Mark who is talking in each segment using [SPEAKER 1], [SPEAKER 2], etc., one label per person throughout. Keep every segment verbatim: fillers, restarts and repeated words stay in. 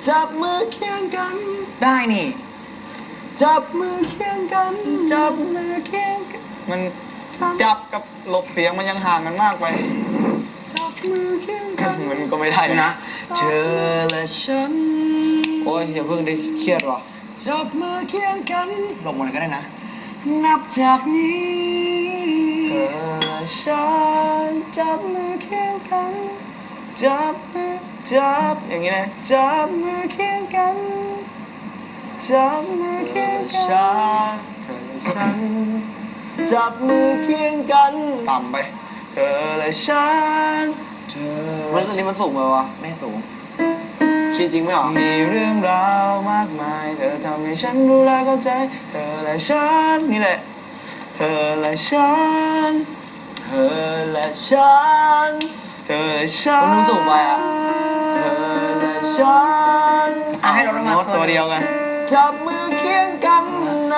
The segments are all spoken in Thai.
[SPEAKER 1] จับมือเคียงกัน
[SPEAKER 2] ได้นี่
[SPEAKER 1] จับมือเคียงกันจับมือเคียงกันมันจับกับหลบเสียงมันยังห่างกันมากไปจับมือเคียงกันมันก็ไม่ได้นะเธอและฉันโอ้ยอย่าเพิ่งได้เครียดว่ะจับมือเคียงกัน
[SPEAKER 2] หลบหมดเลยก็ได้นะ
[SPEAKER 1] นับจากนี้เธอและฉันจับมือเคียงกันจับมือจับอย่างนี้นะจับมือเคียงกันจับมือเคียงกันเธอและฉันจับมือเคียงกันต่ำไปเธอและฉันเธอมันตอนนี้มันสูงไปวะไม่สูงคิดจริงไหมหรอมีเรื่องราวมากมายเธอทำให้ฉันรู้และเข้าใจเธอและฉันนี่แหละเธอและฉันเธอและฉันเธอและฉันมันสูงไปอ่ะเธอและฉัน
[SPEAKER 2] ให้เราโน้ต
[SPEAKER 1] ตัวเดียวกันจับมือเคียงกันนะ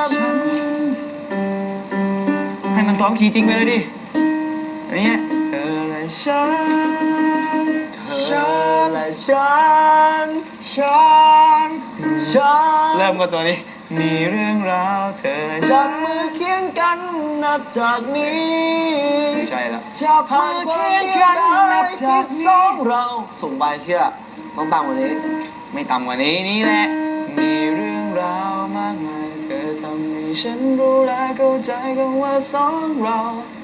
[SPEAKER 1] ให้มันซ้อมคีย์จริงไปเลยดิอันนี้เธอและฉันเธอและฉันฉันฉันเริ่มกับตัวนี้มีเรื่องราวเธอและจับมือเคียงกันนับจากนี้ใช่แล้วจับมือเคียงกันนับจากสองเราส่งไปเชื่อต้องต่ำกว่านี้ไม่ต่ำกว่านี้นี่แหละมีเรื่องราวมากมายเธอทำให้ฉันรู้และเข้าใจกันว่าสองเรา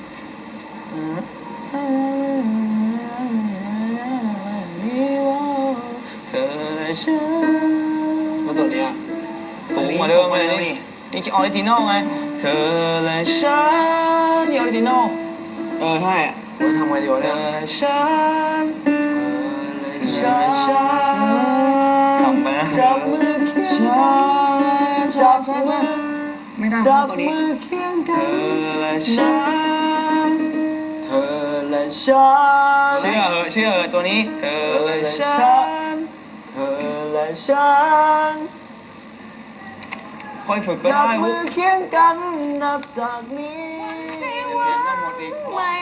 [SPEAKER 1] เธอและฉันมาตัวนี้สูงกว่าเดิมเลยนี่นี่คือออริจินอลไงเธอและฉันนี่ออริจินอลเออใช่เราทำไงดีวะเนี่ยเธอและฉันเธอและฉันทำไปนะจับมือเคียงกันจับมือ
[SPEAKER 2] ไม่ได้
[SPEAKER 1] จับ
[SPEAKER 2] ตัวนี้
[SPEAKER 1] มือเคียงกันเธอและฉันเธอและฉันเชื่อเหอะเชื่อเหอะตัวนี้เธอและฉันเธอและฉันค่อยฝึกไปได้จับมือเคียงกันนับจากนี้